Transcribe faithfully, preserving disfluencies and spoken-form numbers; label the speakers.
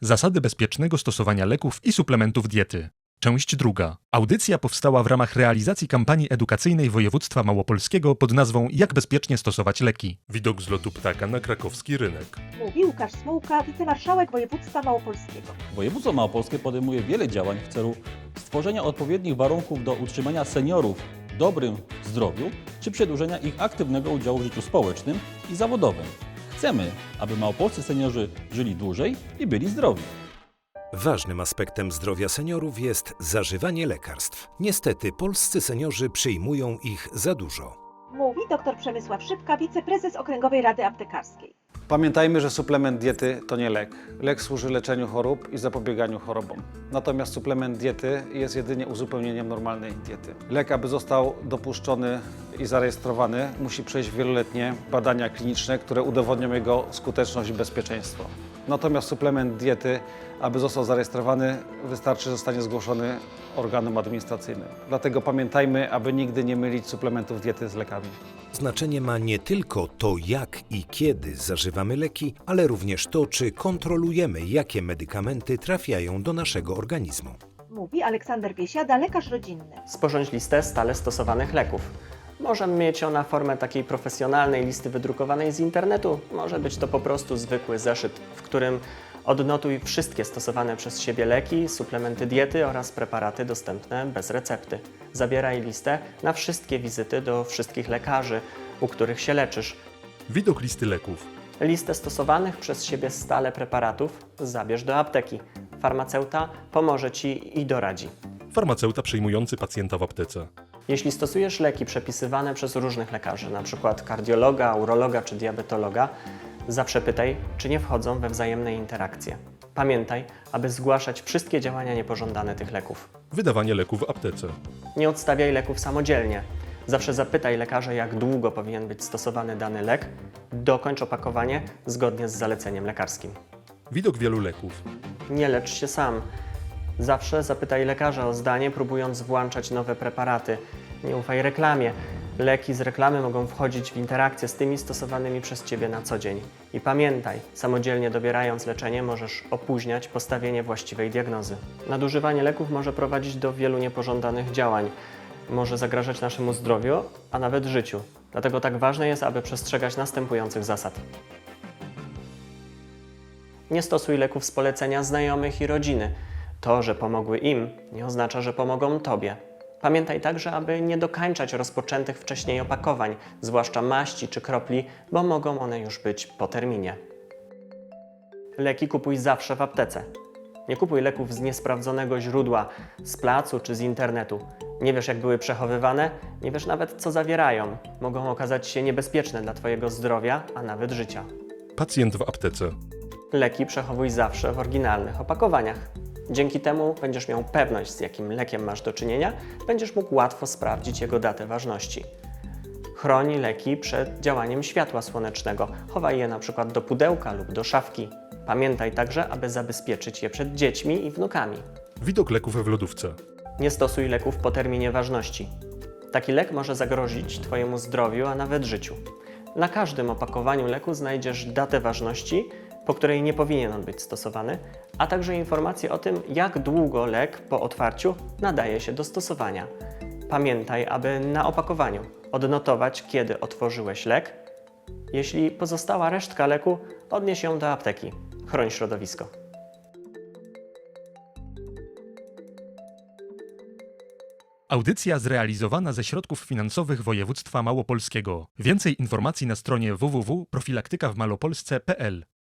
Speaker 1: Zasady bezpiecznego stosowania leków i suplementów diety. Część druga. Audycja powstała w ramach realizacji kampanii edukacyjnej województwa małopolskiego pod nazwą Jak bezpiecznie stosować leki. Widok z lotu ptaka na krakowski rynek.
Speaker 2: Mówi Łukasz Smułka, wicemarszałek województwa małopolskiego.
Speaker 3: Województwo małopolskie podejmuje wiele działań w celu stworzenia odpowiednich warunków do utrzymania seniorów w dobrym zdrowiu czy przedłużenia ich aktywnego udziału w życiu społecznym i zawodowym. Chcemy, aby małopolscy seniorzy żyli dłużej i byli zdrowi.
Speaker 4: Ważnym aspektem zdrowia seniorów jest zażywanie lekarstw. Niestety polscy seniorzy przyjmują ich za dużo.
Speaker 2: Mówi dr Przemysław Szybka, wiceprezes Okręgowej Rady Aptekarskiej.
Speaker 5: Pamiętajmy, że suplement diety to nie lek. Lek służy leczeniu chorób i zapobieganiu chorobom. Natomiast suplement diety jest jedynie uzupełnieniem normalnej diety. Lek, aby został dopuszczony i zarejestrowany, musi przejść wieloletnie badania kliniczne, które udowodnią jego skuteczność i bezpieczeństwo. Natomiast suplement diety, aby został zarejestrowany, wystarczy, że zostanie zgłoszony organom administracyjnym. Dlatego pamiętajmy, aby nigdy nie mylić suplementów diety z lekami.
Speaker 4: Znaczenie ma nie tylko to, jak i kiedy zażywamy leki, ale również to, czy kontrolujemy, jakie medykamenty trafiają do naszego organizmu.
Speaker 2: Mówi Aleksander Biesiada, lekarz rodzinny.
Speaker 6: Sporządź listę stale stosowanych leków. Może mieć ona formę takiej profesjonalnej listy wydrukowanej z internetu, może być to po prostu zwykły zeszyt, w którym odnotuj wszystkie stosowane przez siebie leki, suplementy diety oraz preparaty dostępne bez recepty. Zabieraj listę na wszystkie wizyty do wszystkich lekarzy, u których się leczysz.
Speaker 1: Widok listy leków.
Speaker 6: Listę stosowanych przez siebie stale preparatów zabierz do apteki. Farmaceuta pomoże Ci i doradzi.
Speaker 1: Farmaceuta przyjmujący pacjenta w aptece.
Speaker 6: Jeśli stosujesz leki przepisywane przez różnych lekarzy, np. kardiologa, urologa czy diabetologa, zawsze pytaj, czy nie wchodzą we wzajemne interakcje. Pamiętaj, aby zgłaszać wszystkie działania niepożądane tych leków.
Speaker 1: Wydawanie leków w aptece.
Speaker 6: Nie odstawiaj leków samodzielnie. Zawsze zapytaj lekarza, jak długo powinien być stosowany dany lek. Dokończ opakowanie zgodnie z zaleceniem lekarskim.
Speaker 1: Widok wielu leków.
Speaker 6: Nie lecz się sam. Zawsze zapytaj lekarza o zdanie, próbując włączać nowe preparaty. Nie ufaj reklamie. Leki z reklamy mogą wchodzić w interakcję z tymi stosowanymi przez Ciebie na co dzień. I pamiętaj, samodzielnie dobierając leczenie możesz opóźniać postawienie właściwej diagnozy. Nadużywanie leków może prowadzić do wielu niepożądanych działań. Może zagrażać naszemu zdrowiu, a nawet życiu. Dlatego tak ważne jest, aby przestrzegać następujących zasad. Nie stosuj leków z polecenia znajomych i rodziny. To, że pomogły im, nie oznacza, że pomogą Tobie. Pamiętaj także, aby nie dokańczać rozpoczętych wcześniej opakowań, zwłaszcza maści czy kropli, bo mogą one już być po terminie. Leki kupuj zawsze w aptece. Nie kupuj leków z niesprawdzonego źródła, z placu czy z internetu. Nie wiesz, jak były przechowywane, nie wiesz nawet, co zawierają. Mogą okazać się niebezpieczne dla Twojego zdrowia, a nawet życia.
Speaker 1: Pacjent w aptece.
Speaker 6: Leki przechowuj zawsze w oryginalnych opakowaniach. Dzięki temu będziesz miał pewność, z jakim lekiem masz do czynienia, będziesz mógł łatwo sprawdzić jego datę ważności. Chroń leki przed działaniem światła słonecznego. Chowaj je na przykład do pudełka lub do szafki. Pamiętaj także, aby zabezpieczyć je przed dziećmi i wnukami.
Speaker 1: Widok leków w lodówce.
Speaker 6: Nie stosuj leków po terminie ważności. Taki lek może zagrozić Twojemu zdrowiu, a nawet życiu. Na każdym opakowaniu leku znajdziesz datę ważności, po której nie powinien on być stosowany, a także informacje o tym, jak długo lek po otwarciu nadaje się do stosowania. Pamiętaj, aby na opakowaniu odnotować, kiedy otworzyłeś lek. Jeśli pozostała resztka leku, odnieś ją do apteki. Chroń środowisko.
Speaker 1: Audycja zrealizowana ze środków finansowych województwa małopolskiego. Więcej informacji na stronie w w w kropka profilaktyka w malopolsce kropka p l.